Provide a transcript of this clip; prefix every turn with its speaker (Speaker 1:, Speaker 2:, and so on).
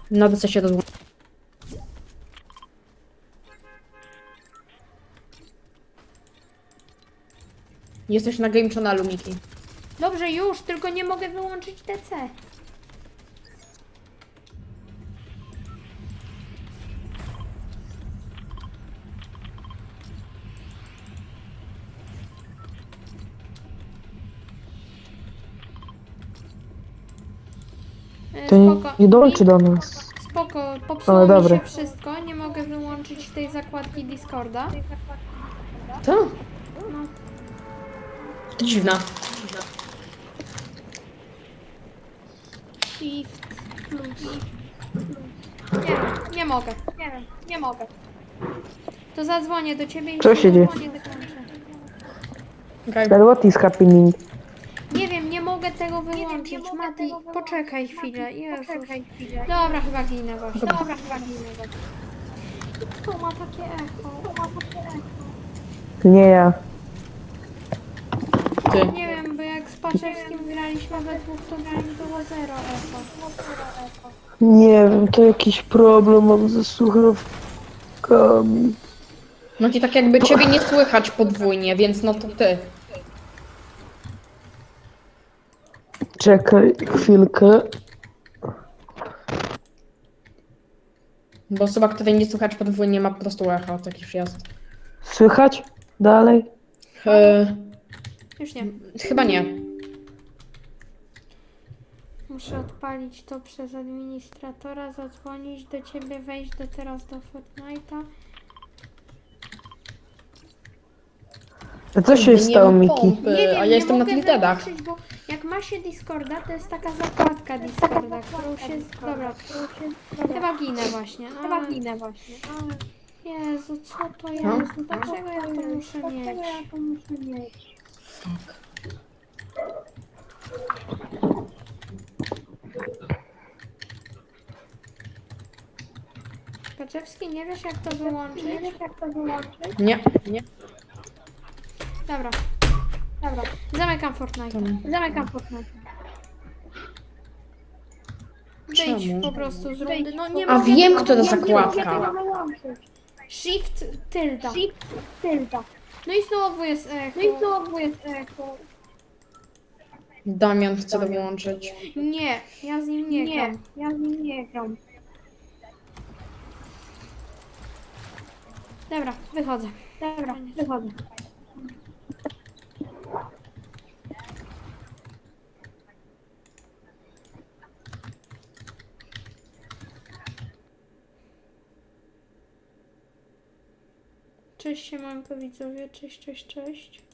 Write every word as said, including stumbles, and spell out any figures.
Speaker 1: Na D C się rozłączyć. Jesteś na Game Channelu, Miki.
Speaker 2: Dobrze, już, tylko nie mogę wyłączyć D C. E,
Speaker 3: To nie,
Speaker 2: Spoko.
Speaker 3: nie dołączy do nas.
Speaker 2: Spoko, popsuło
Speaker 3: Ale
Speaker 2: mi
Speaker 3: dobra.
Speaker 2: się wszystko, nie mogę wyłączyć tej zakładki Discorda.
Speaker 1: Co?
Speaker 2: No,
Speaker 1: To dziwna.
Speaker 2: shift plus. Nie wiem, nie mogę, nie wiem, nie mogę. To zadzwonię do ciebie i
Speaker 3: Co się dzieje?
Speaker 2: zadzwonię, dokończę.
Speaker 1: Okay.
Speaker 3: But what is happening?
Speaker 2: Nie wiem, nie mogę tego wyłączyć. Mati, poczekaj chwilę. Jezus. Dobra, chyba ginę właśnie. Dobra, chyba ginę właśnie. To ma takie echo. To ma takie echo.
Speaker 3: Nie ja.
Speaker 1: Ty.
Speaker 2: Nie wiem, bo jak z Paczewskim graliśmy we dwóch, to było zero echo.
Speaker 3: Nie wiem, to jakiś problem mam ze słuchawkami.
Speaker 1: No ci tak jakby ciebie nie słychać podwójnie, więc no to ty.
Speaker 3: Czekaj chwilkę.
Speaker 1: Bo osoba, której nie słychać podwójnie, ma po prostu echo, taki przyjazd.
Speaker 3: Słychać? Dalej?
Speaker 1: E,
Speaker 2: Już nie.
Speaker 1: chyba nie.
Speaker 2: Muszę odpalić to przez administratora, zadzwonić do ciebie, wejść do teraz do Fortnite'a.
Speaker 3: A co się
Speaker 1: Nie
Speaker 3: stało,
Speaker 1: ma
Speaker 3: Miki?
Speaker 1: pompy,
Speaker 2: Nie wiem,
Speaker 1: a ja
Speaker 2: nie
Speaker 1: jestem na
Speaker 2: mogę
Speaker 1: tiltedach.
Speaker 2: wyłączyć, bo jak ma się Discorda, to jest taka zakładka Discorda, którą się... Dobra, którą się... Chyba ginę właśnie. No, chyba ginę właśnie. Jezu, co to jest?
Speaker 1: No.
Speaker 2: Dlaczego ja to muszę mieć? Paczewski, nie wiesz jak to wyłączyć?
Speaker 1: Nie, nie.
Speaker 2: Dobra. Dobra. Zamykam Fortnite. Zamykam Fortnite. Wyjdź
Speaker 1: Czemu?
Speaker 2: po prostu z rundy. No nie
Speaker 1: A
Speaker 2: mogę
Speaker 1: wiem,
Speaker 2: tego
Speaker 1: która
Speaker 2: wyłączyć.
Speaker 1: zakładka.
Speaker 2: Shift tylda. Shift tylda. No i znowu jest echo. No i znowu jest echo.
Speaker 1: Damian chce to wyłączyć.
Speaker 2: Nie, ja z nim nie, gram. Ja z nim nie gram. Dobra, wychodzę. Dobra, wychodzę. Cześć siemanko widzowie, cześć, cześć, cześć.